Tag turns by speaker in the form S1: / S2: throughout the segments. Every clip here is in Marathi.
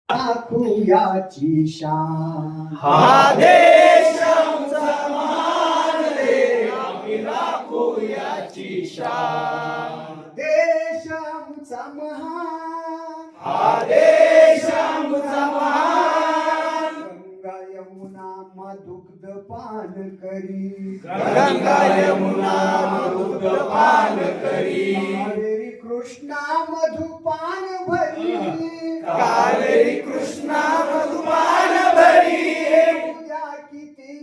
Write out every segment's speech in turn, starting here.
S1: दाखवूयाची शान.
S2: हा देश आमचा महान रे, आम्ही राखू याची शान.
S1: देश आमचा महान,
S2: हा देश आमचा महान.
S1: गंगा यमुना मधुग्ध पान करी,
S2: गंगा यमुना मधुपान करी.
S1: कावेरी कृष्णा मधुपान भरी,
S2: कावेरी कृष्णा मधुपान भरी.
S1: उद्या किती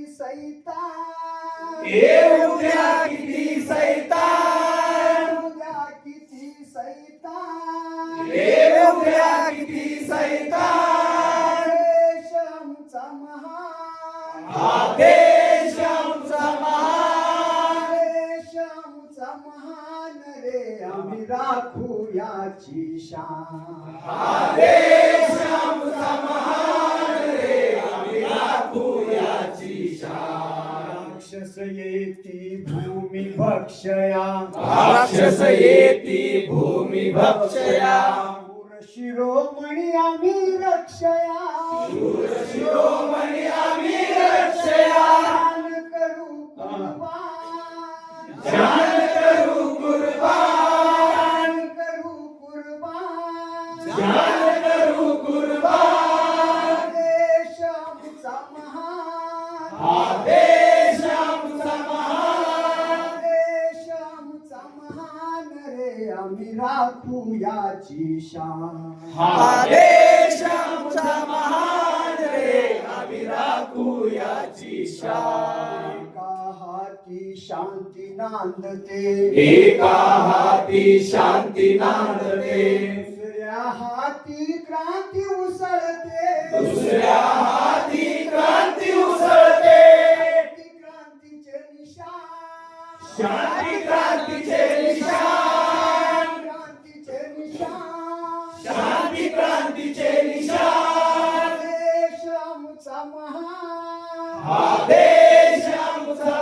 S1: सैतान,
S2: उद्या किती सैतान,
S1: उद्या किती सैतान.
S2: उद्या किती सैतान.
S1: देश आमचा महान,
S2: हा देश आमचा महान.
S1: देश आमचा महान रे, आम्ही राखू याची शान.
S2: हा देश आमचा महान रे, आम्ही राखू याची शान.
S1: राक्षस येती भूमी भक्षया,
S2: राक्षस येती भूमी भक्षया.
S1: शूर शिरोमणी आम्ही रक्षया,
S2: शिरोमणी आम्ही रक्षया.
S1: दान करू कुर्बान,
S2: जान करू कुर्बान,
S1: दान करू कुर्बान.
S2: जान करू कुर्बान.
S1: देश आमचा महान,
S2: हा देश आमचा महान.
S1: देश आमचा महान रे, आम्ही राखू याची शान.
S2: हा देश आमचा महान रे, आम्ही राखू याची शान.
S1: एका हाती शांती नांदते,
S2: एका हाती शांती नांदते.
S1: दुसऱ्या हाती क्रांती उसळते,
S2: दुसऱ्या हाती क्रांती उसळते.
S1: ती क्रांतीचे निशान,
S2: शांती क्रांतीचे निशान,
S1: क्रांतीचे निशान.
S2: शांती क्रांतीचे निशान.
S1: देश आमचा महान,
S2: हा देश आमचा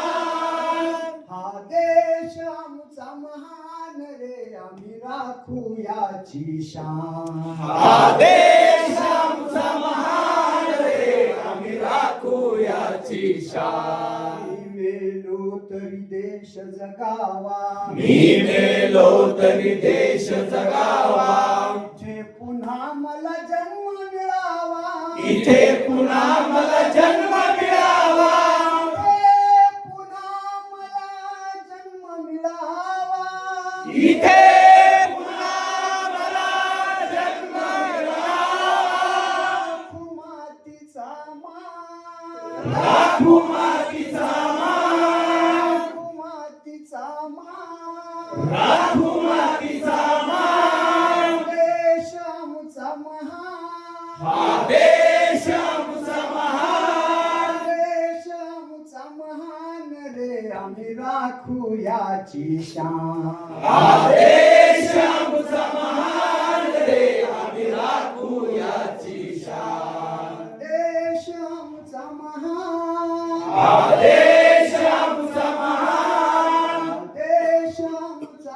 S2: महान.
S1: हा देश आमचा महान रे, आम्ही राखू याची शान.
S2: हा देश आमचा महान रे, आम्ही राखू याची शान.
S1: मी मेलो तरी देश जगावा,
S2: मी मेलो तरी देश जगावा.
S1: इथे पुन्हा मला जन्म मिळावा,
S2: इथे पुन्हा मला जन्म मिळावा.
S1: इथे पुन्हा मला जन्म मिळावा.
S2: इथे पुन्हा मला जन्म मिळावा.
S1: राखू मातीचा मान,
S2: राखू मातीचा मान,
S1: राखू मातीचा मान.
S2: राखू मातीचा मान.
S1: देश आमचा महान,
S2: हा देश आमचा महान.
S1: देश आमचा महान रे, आम्ही राखू याची शान.
S2: हा देश आमचा महान रे, आम्ही राखू याची शान.
S1: देश आमचा महान,
S2: हा देश आमचा महान.
S1: देश आमचा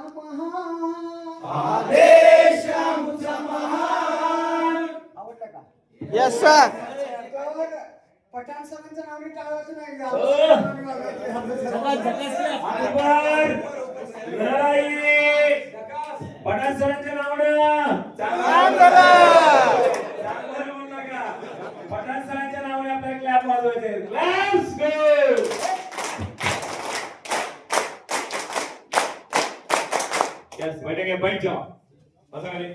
S1: महान.
S2: हा देश आमचा महान.
S1: आवडलं का?
S2: Yes sir.
S1: तर पठाण सरांचं नाव नाही टाळायचं नाही का?
S3: पठाण सरांच्या नावानं
S2: चांगलं करा.
S3: चांगलं बोलू नका. पठाण सरांच्या नावाने आपल्याला क्लॅप वाजवायचे. Let's go. Yes, बैठ जाओ. बसा खाली.